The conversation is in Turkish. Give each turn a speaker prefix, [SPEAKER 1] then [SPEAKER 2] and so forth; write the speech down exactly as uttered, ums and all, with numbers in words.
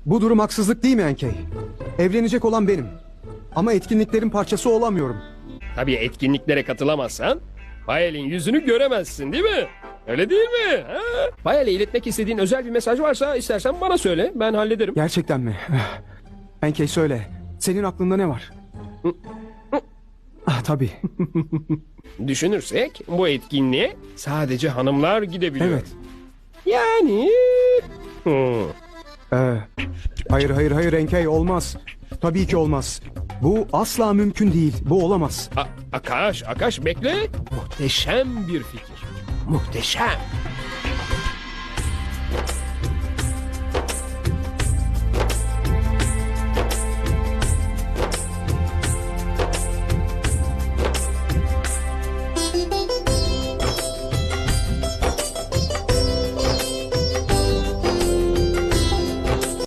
[SPEAKER 1] Bu durum haksızlık değil mi Enkey? Evlenecek olan benim. Ama etkinliklerin parçası olamıyorum.
[SPEAKER 2] Tabii etkinliklere katılamazsan Bayel'in yüzünü göremezsin değil mi? Öyle değil mi? Ha? Bayel'e iletmek istediğin özel bir mesaj varsa istersen bana söyle. Ben hallederim.
[SPEAKER 1] Gerçekten mi? Enkey söyle. Senin aklında ne var? Ah tabii.
[SPEAKER 2] Düşünürsek bu etkinliğe sadece hanımlar gidebiliyor.
[SPEAKER 1] Evet.
[SPEAKER 2] Yani... Hmm.
[SPEAKER 1] Ee, hayır hayır hayır Enkey olmaz. Tabii ki olmaz. Bu asla mümkün değil. Bu olamaz.
[SPEAKER 2] A- Akaş, Akaş bekle. Muhteşem bir fikir. Muhteşem.